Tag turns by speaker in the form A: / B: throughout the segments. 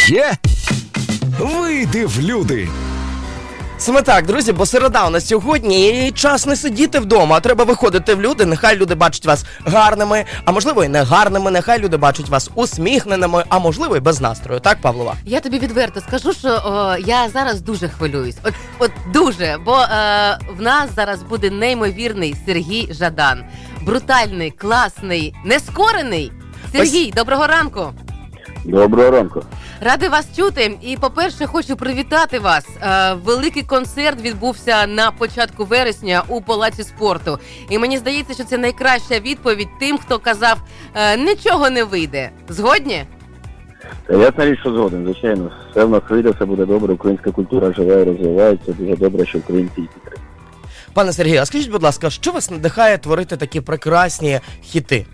A: Є? Вийди в люди.
B: Саме так, друзі, бо середа у нас сьогодні і час не сидіти вдома, а треба виходити в люди, нехай люди бачать вас гарними, а можливо і не гарними, нехай люди бачать вас усміхненими, а можливо і без настрою, так, Павлова?
C: Я тобі відверто скажу, що я зараз дуже хвилююсь, от дуже, бо в нас зараз буде неймовірний Сергій Жадан. Брутальний, класний, нескорений. Сергій, доброго ранку!
D: Доброго ранку.
C: Ради вас чути. І, по-перше, хочу привітати вас. Великий концерт відбувся на початку вересня у Палаці спорту. І мені здається, що це найкраща відповідь тим, хто казав, нічого не вийде. Згодні?
D: Ясна річ, що згоден, звичайно. Все в нас вийде, все буде добре, українська культура живе і розвивається. Дуже добре, що українці її підтримують.
B: Пане Сергію, а скажіть, будь ласка, що вас надихає творити такі прекрасні хіти?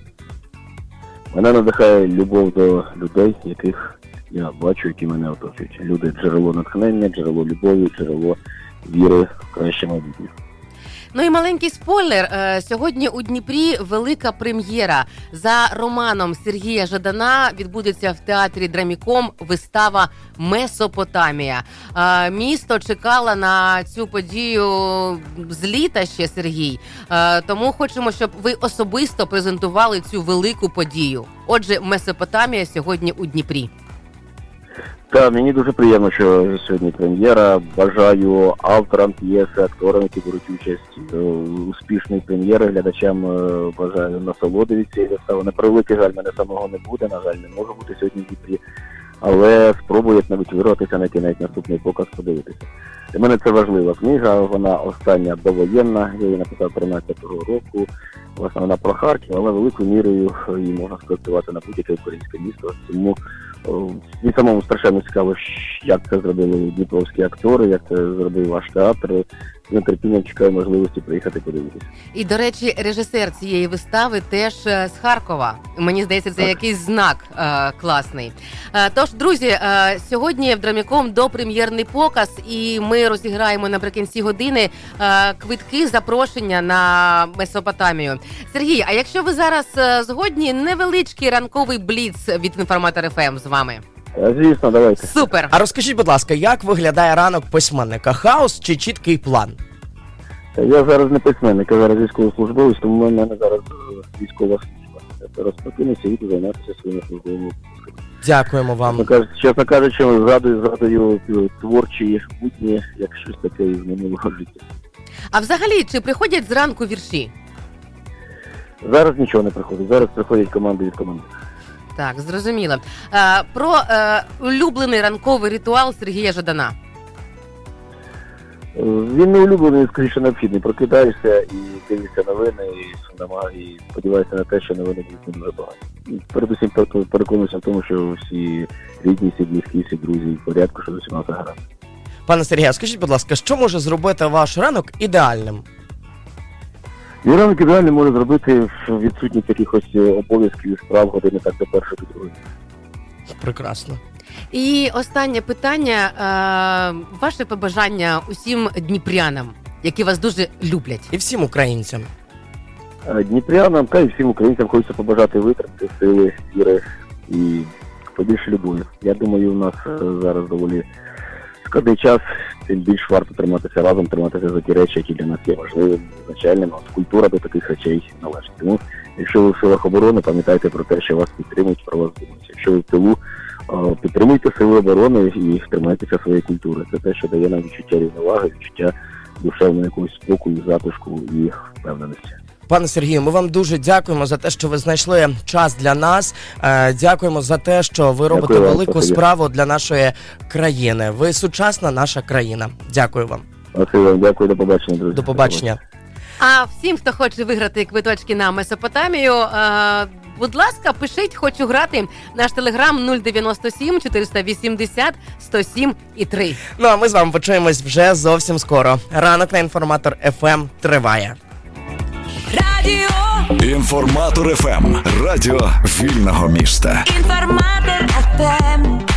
D: Мене надихає любов до людей, яких я бачу, які мене оточують. Люди – джерело натхнення, джерело любові, джерело віри в краще майбутнє.
C: Ну і маленький спойлер. Сьогодні у Дніпрі велика прем'єра. За романом Сергія Жадана відбудеться в театрі Драміком вистава «Месопотамія». Місто чекало на цю подію з літа ще, Сергій. Тому хочемо, щоб ви особисто презентували цю велику подію. Отже, «Месопотамія» сьогодні у Дніпрі.
D: Так, мені дуже приємно, що сьогодні прем'єра. Бажаю авторам п'єси, акторам, які беруть участь у успішній прем'єри. Глядачам бажаю насолоди від цієї вистави. На превеликий жаль, мене самого не буде, на жаль, не можу бути сьогодні в Дніпрі. Але спробую як-небудь вирватися на кінець наступний показ, подивитися. Для мене це важлива книга, вона остання довоєнна, я її написав 13-го року. Власне, вона про Харків, але великою мірою її можна спроектувати на будь-яке українське місто. Тому мені самому страшенно цікаво, як це зробили дніпровські актори, як це зробив ваш театр. З нетерпінням чекаю можливості приїхати подивитися.
C: І, до речі, режисер цієї вистави теж з Харкова. Мені здається, це якийсь знак класний. Тож, друзі, сьогодні в Драміком допрем'єрний показ, і ми розіграємо наприкінці години квитки, запрошення на Месопотамію. Сергій, а якщо ви зараз згодні, невеличкий ранковий бліц від Інформатор ФМ з вами.
D: Звісно, давайте.
C: Супер!
B: А розкажіть, будь ласка, як виглядає ранок письменника? Хаос чи чіткий план?
D: Я зараз не письменник, я зараз військовослужбовець, тому в мене зараз військова служба. Я зараз прокинуся і займатися своїми службовими обов'язками.
B: Дякуємо вам.
D: Чесно кажучи, згадую творчі будні, як щось таке із минулого життя.
C: А взагалі, чи приходять зранку вірші?
D: Зараз нічого не приходить, зараз приходять команди від команди.
C: Так, зрозуміло. Про улюблений ранковий ритуал Сергія Жадана.
D: Він не улюблений, скоріше необхідний. Прокидаєшся і дивишся новини, і сподіваєшся на те, що новини будуть не дуже погані. Передусім переконуюся в тому, що всі рідні, всі близькі, всі друзі в порядку, що з усіма все гаразд.
B: Пане Сергію, скажіть, будь ласка, що може зробити ваш ранок ідеальним?
D: Мій ранок ідеально може зробити відсутність якихось обов'язків і справ години так до першої, до другої.
B: Прекрасно.
C: І останнє питання. Ваше побажання усім дніпрянам, які вас дуже люблять.
B: І всім українцям.
D: Дніпрянам та й всім українцям хочеться побажати витримки, сили, віри і побільше любові. Я думаю, у нас зараз доволі складний час, тим більш варто триматися разом, триматися за ті речі, які для нас є важливими, визначальними. Культура до таких речей належить. Тому, якщо ви в силах оборони, пам'ятайте про те, що вас підтримують, про вас думають. Якщо ви в тилу, підтримуйте сили оборони і тримайтеся своєї культури. Це те, що дає нам відчуття рівноваги, відчуття душевного якогось спокою, затишку і впевненості.
B: Пане Сергію, ми вам дуже дякуємо за те, що ви знайшли час для нас. Дякуємо за те, що ви робите велику справу для нашої країни. Ви сучасна наша країна. Дякую вам.
D: Дякую, до побачення, друзі.
B: До побачення.
C: А всім, хто хоче виграти квиточки на Месопотамію, будь ласка, пишіть, хочу грати. Наш телеграм 097 480 107 і 3.
B: Ну, а ми з вами почуємось вже зовсім скоро. Ранок на Інформатор ФМ триває.
A: Радіо Інформатор ФМ. Радіо вільного міста.
E: Інформатор ФМ.